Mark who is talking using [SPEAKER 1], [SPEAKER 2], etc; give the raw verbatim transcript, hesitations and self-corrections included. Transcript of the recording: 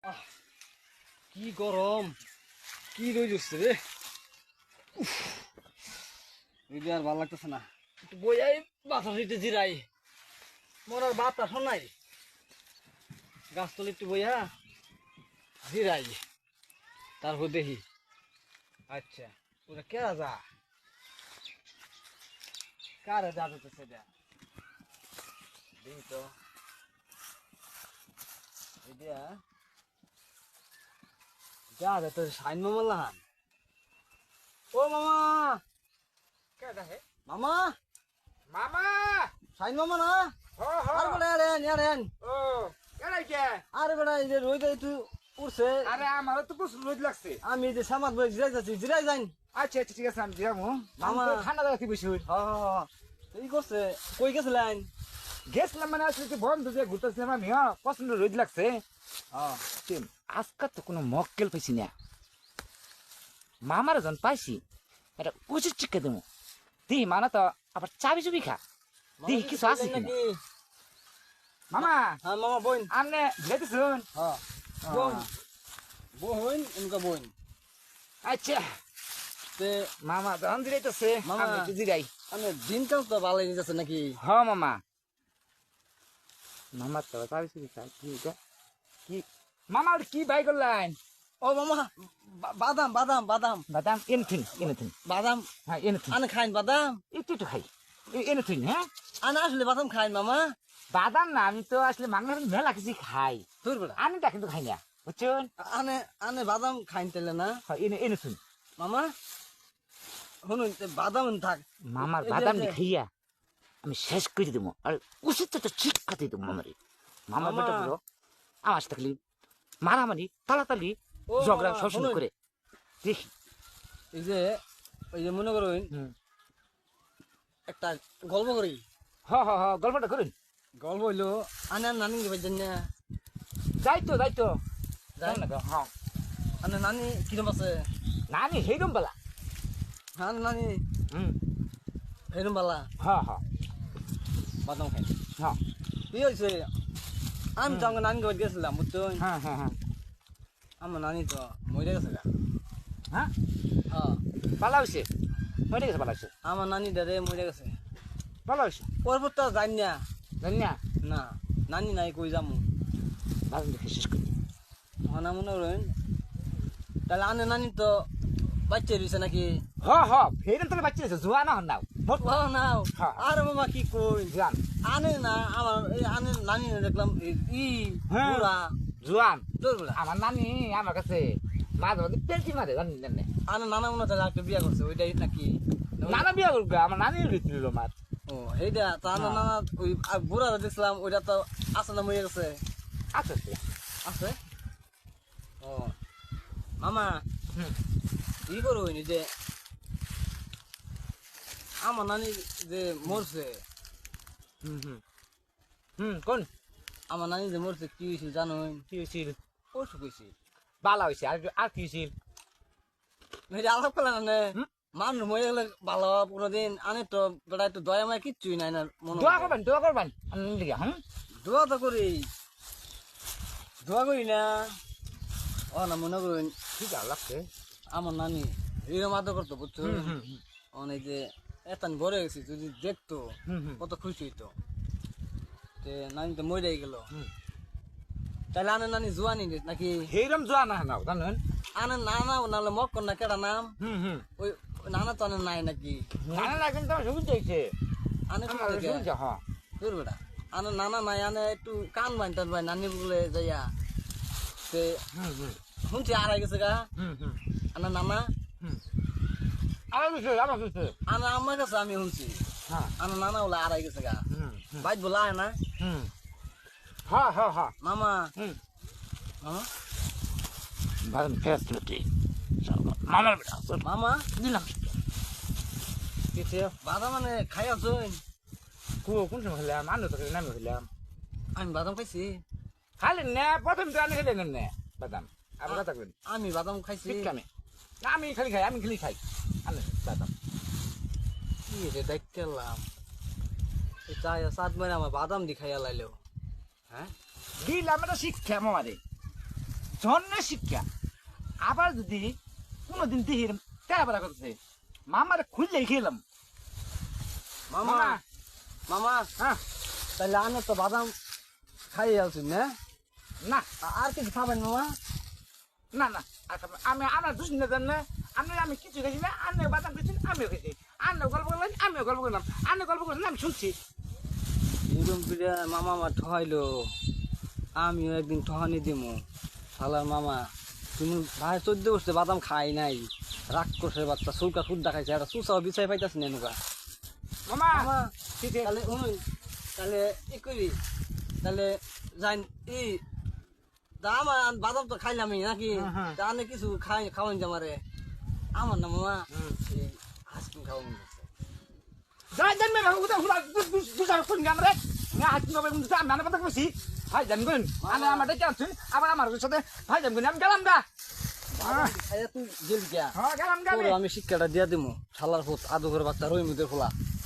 [SPEAKER 1] আহ, কি গরম, কি রোদ উঠছে রে। উফ, রোদে আর ভালো লাগতেছে না। একটু বইয়াই বাতাস দিতে জিরাই, মোর আর বাতাস নাই। গাছতলি একটু বইয়া জিরাই, তারপর দেখি। আচ্ছা, ওটা কেরা যা, কারে যা যেতেছে এটা দেখি তো। এটা যা যেতে সাইন মামা লাহান। ও মামা,
[SPEAKER 2] কেডা হে
[SPEAKER 1] মামা,
[SPEAKER 2] মামা
[SPEAKER 1] সাইন মামা না?
[SPEAKER 2] হ হ
[SPEAKER 1] আরে বেটা আরেন আরেন,
[SPEAKER 2] ও কেডাই কে
[SPEAKER 1] আরে বেটা এই যে রোদ একটু উঠছে।
[SPEAKER 2] আরে আমারও তো প্রচুর রোদ লাগছে।
[SPEAKER 1] আমি এই যে সামাদ বই জিরাই যাচ্ছি, জিরাই যাইন।
[SPEAKER 2] আচ্ছা আচ্ছা ঠিক আছে আমি যাবো।
[SPEAKER 1] মামা।
[SPEAKER 2] মামা ঠান্ডা জায়গাতে বসে হই
[SPEAKER 1] হ হ হ, এই করছে, কই গেছিলেন?
[SPEAKER 2] গেছিলাম মানে আসলে যে বন্ধু যে ঘুরতেছিলাম আমি হ্যাঁ প্রচন্ড রোদ লাগছে।
[SPEAKER 1] হ্যাঁ
[SPEAKER 2] তেম, আজকাল তো কোনো মক্কেল পাইছি না। মামার জন পাইছি এটা উচিত চিকে দেবো দিহি মানা তো আবার চাবি চুবি খা দিহি কিছু আছে কিনা।
[SPEAKER 1] নাকি?
[SPEAKER 2] মামা
[SPEAKER 1] হ্যাঁ মামা বইন।
[SPEAKER 2] আমনে যেতেছুন।
[SPEAKER 1] হ্যাঁ বোন, বোন এনকা বোন।
[SPEAKER 2] আচ্ছা
[SPEAKER 1] তে
[SPEAKER 2] মামা জন দিলাইতেছে
[SPEAKER 1] মামা।
[SPEAKER 2] আমি একটু জিরাই।
[SPEAKER 1] মানে দিনকাল তো ভালোই যাচ্ছে নাকি?
[SPEAKER 2] হ মামা মামা তো চাবি চুবি খা কি এটা কি মামা ওটা কি বাই করলেন।
[SPEAKER 1] ও মামা, বা- বাদাম বাদাম বাদাম
[SPEAKER 2] বাদাম এনেথিন এনেথিন
[SPEAKER 1] বাদাম
[SPEAKER 2] হ্যাঁ এনেথিন
[SPEAKER 1] আনে খাইন বাদাম।
[SPEAKER 2] একটু একটু খাই এনেথিন হ্যাঁ
[SPEAKER 1] আনে আসলে বাদাম খাইন মামা।
[SPEAKER 2] বাদাম না আমি তো আসলে মাংস মেলা কিছু খাই
[SPEAKER 1] তোর বেটা
[SPEAKER 2] আমি তা কিন্তু খাই না বুঝছেন।
[SPEAKER 1] আনে আনে বাদাম খাইন তেলে না
[SPEAKER 2] হ্যাঁ এনে এনেথিন
[SPEAKER 1] মামা। শুনুন তে বাদাম থাক।
[SPEAKER 2] মামার
[SPEAKER 1] এই যে-
[SPEAKER 2] বাদাম
[SPEAKER 1] এই যে-
[SPEAKER 2] খাইয়া আমি শেষ করে দেবো আর উচিত তো শিক্ষা দিয়ে দেবো মামারে। মামার
[SPEAKER 1] মামা।
[SPEAKER 2] বেটা বলো আমার থাকলে মারামারি তালাতালি
[SPEAKER 1] ও
[SPEAKER 2] ঝগড়া
[SPEAKER 1] মামা,
[SPEAKER 2] সবসময়
[SPEAKER 1] শুনুন।
[SPEAKER 2] করে দেখি।
[SPEAKER 1] এই যে ওই যে মনে করুন
[SPEAKER 2] হুম
[SPEAKER 1] একটা গল্প করি।
[SPEAKER 2] হ হ হ গল্পটা করুন।
[SPEAKER 1] গল্প হইলো আনে আর নানি কে বাজেন না।
[SPEAKER 2] যাই তো যাই তো
[SPEAKER 1] যাই
[SPEAKER 2] না তো হ্যাঁ
[SPEAKER 1] আনে নানি কিরম আছে?
[SPEAKER 2] না আমি সেইরম বেলা
[SPEAKER 1] হ্যাঁ নানি
[SPEAKER 2] হুম
[SPEAKER 1] এরম বালা
[SPEAKER 2] হ্যাঁ হ্যাঁ
[SPEAKER 1] বাদাম খাই।
[SPEAKER 2] হ্যাঁ
[SPEAKER 1] কি হয়েছে? আমি তো আমার নানি বাড়ি গেছিলাম বুঝছেন।
[SPEAKER 2] হ্যাঁ হ্যাঁ হ্যাঁ
[SPEAKER 1] আমার নানি তো মরে গেছে গা।
[SPEAKER 2] হ্যাঁ
[SPEAKER 1] হ্যাঁ
[SPEAKER 2] ভালো হয়েছে মরে গেছে ভালো হয়েছে
[SPEAKER 1] আমার নানি দাদে মরে গেছে।
[SPEAKER 2] ভালো হয়েছে
[SPEAKER 1] পরপর তো যাই না।
[SPEAKER 2] জানি না
[SPEAKER 1] না নানি নাই কই যামু।
[SPEAKER 2] বাদাম দেখে শেষ করি।
[SPEAKER 1] হনা মনে করেন তাহলে আনে নানি তো বাচ্চা রয়েছে নাকি?
[SPEAKER 2] হ হ ফের তাহলে বাচ্চা আছে জুয়া না হন নাও মোট
[SPEAKER 1] ও নাও।
[SPEAKER 2] হ্যাঁ।
[SPEAKER 1] আরে মামা কি কই
[SPEAKER 2] জুয়ান
[SPEAKER 1] আনে না আমার এই আনে নানি দেখলাম এই- ই
[SPEAKER 2] হ্যাঁ।
[SPEAKER 1] বুড়া
[SPEAKER 2] জুয়ান
[SPEAKER 1] তোর বুড়া।
[SPEAKER 2] আমার নানি আমার কাছে মাঝে মাঝে পেলটি মারে জানি জানি
[SPEAKER 1] আনে নানা মনে হয় তাহলে একটা বিয়া করছে ওইটাই নাকি?
[SPEAKER 2] নানা বিয়া করবে আমার নানি লিখিল মার
[SPEAKER 1] ও সেইটা তা না নানা ওই আর বুড়া দেখছিলাম ওইটা তো আছে না মরে গেছে।
[SPEAKER 2] আচ্ছা আচ্ছা
[SPEAKER 1] আছে। ও মামা
[SPEAKER 2] হুম
[SPEAKER 1] ই করুন এই যে আমার নানি যে মরছে,
[SPEAKER 2] হুম হুম হুম কোন
[SPEAKER 1] আমার নানি যে মরছে কি হয়েছিল জানুন?
[SPEAKER 2] কি হয়েছিল
[SPEAKER 1] অসুখ হয়েছিল।
[SPEAKER 2] বালা হয়েছে আর আর কি হয়েছিল
[SPEAKER 1] এটা আলাপ করলেন না
[SPEAKER 2] হুম?
[SPEAKER 1] মানুষ মরে গেলে ভালো হওয়া কোনোদিন আনে তো বেটা একটু দয়া মায় কিচ্ছুই নাই না মনে
[SPEAKER 2] দোয়া
[SPEAKER 1] হয়।
[SPEAKER 2] করবেন দোয়া করবেন আমি লিখে হুম
[SPEAKER 1] দোয়া তো করি, দোয়া করি না। ও না মনে করুন
[SPEAKER 2] ঠিক আছে লাগছে
[SPEAKER 1] আমার নানি এরকম আদর করতো বুঝছো।
[SPEAKER 2] হুম হুম হুম
[SPEAKER 1] অনেক যে এতান বড় গেছি যদি দেখতো
[SPEAKER 2] হুম হুম
[SPEAKER 1] কত খুশি হইতো। তে নানি তো মরে গেল।
[SPEAKER 2] হুম
[SPEAKER 1] তাহলে আনে নানি জোয়ানি নাকি?
[SPEAKER 2] সেইরম জোয়া না নাও জানেন
[SPEAKER 1] আনে নানা নাহলে মক্কর না কেডা নাম?
[SPEAKER 2] হুম হুম
[SPEAKER 1] ওই ওই নানা তো আনে নাই নাকি?
[SPEAKER 2] নানা না কিন্তু আমার সুবিধা হয়েছে
[SPEAKER 1] আনে
[SPEAKER 2] আমার
[SPEAKER 1] কোথা থেকে?
[SPEAKER 2] সুবিধা হ্যাঁ
[SPEAKER 1] তোর বেটা আনে নানা নাই আনে একটু কান বাইন টান ভাই নানি বলে যাইয়া। তে
[SPEAKER 2] হুম হুম
[SPEAKER 1] শুনছি আড়াই গেছে গা
[SPEAKER 2] হুম হুম
[SPEAKER 1] আনে নানা।
[SPEAKER 2] হুম আমার কিছু আমার কিছু
[SPEAKER 1] আনে আমার কাছে আমি শুনছি
[SPEAKER 2] হ্যাঁ
[SPEAKER 1] আনে নানা বলে আড়াই গেছে গা।
[SPEAKER 2] হুম হুম
[SPEAKER 1] বাইক বলা হয় না
[SPEAKER 2] হুম হ্যাঁ হ্যাঁ হ্যাঁ
[SPEAKER 1] মামা।
[SPEAKER 2] হুম
[SPEAKER 1] হ্যাঁ?
[SPEAKER 2] বাদাম ফেরত দিল তুই মামার বেটা চল
[SPEAKER 1] মামা
[SPEAKER 2] দিলাম কিছু
[SPEAKER 1] বাদাম মানে খাই আছুন?
[SPEAKER 2] কু কোন সময় খেলাম আনন্দ তো নামে খেলাম
[SPEAKER 1] আমি বাদাম খাইছি।
[SPEAKER 2] খালি না প্রথম তো আনি খেলে না বাদাম আবার কথা কইন
[SPEAKER 1] আমি বাদাম খাইছি।
[SPEAKER 2] ঠিক কামে না আমি খালি খাই আমি খালি খাই আনে বাদাম
[SPEAKER 1] কি রে দেখলাম এই চাই সাত মানে আমার বাদাম দি খাইয়া লাইলো। হ্যাঁ
[SPEAKER 2] দিলাম এটা শিক্ষা মামারে জন্মের শিক্ষা আবার যদি কোনোদিন দেহির তেরা বেলা করছে মামারে খুললেই খেলাম
[SPEAKER 1] মামা
[SPEAKER 2] মামা
[SPEAKER 1] মামা
[SPEAKER 2] হ্যাঁ
[SPEAKER 1] তাহলে আনে তো বাদাম খাই আলছেন না
[SPEAKER 2] না
[SPEAKER 1] আ- আর কিছু খাবেন মামা
[SPEAKER 2] না না আর খাবো না। আমি আমরা দুষ না জান না আমি আমি কিছু খাইছি না আনে বাদাম খেয়েছি আমিও খেয়েছি আনে গল্প করলাম আমিও গল্প করলাম আনে গল্প করলাম আমি শুনছি
[SPEAKER 1] এরকম করে মামা আমার ঠহাইলো আমিও একদিন ঠহানি দিমু শালার মামা তুমি ভাই চোদ্দ বসতে বাদাম খাই নাই রাগ করছে বাচ্চা চৌকা খুদ্দা খাইছে একটা চুষাও বিচাই পাইতাছ না এনুকা
[SPEAKER 2] মামা
[SPEAKER 1] মামা
[SPEAKER 2] ঠিক আছে
[SPEAKER 1] তাহলে শুনুন তাহলে ই করি তাহলে যাই ই তা আমার বাদাম তো খাইলামই নাকি
[SPEAKER 2] হ্যাঁ, হ্যাঁ।
[SPEAKER 1] তা আনে কিছু খাই খাওয়ান জামারে আমার না মামা এই আইসক্রিম খাওয়া মন করছে
[SPEAKER 2] যাই জান মে হুদা হুদা দুসার কোন গাম রে না হাত নবে মুসা আমি না কথা কইছি ভাই জানবেন আনে আমার ডেকে আনছেন আবার আমার সাথে ভাই জানবেন আমি গেলাম গা
[SPEAKER 1] বাদাম খাইয়া তুই গেলি গিয়া
[SPEAKER 2] হ্যাঁ গেলাম গা
[SPEAKER 1] তোর আমি শিক্ষাটা দিয়া দিমু শালার ফুট আদু করে বাচ্চা রই মুদের খোলা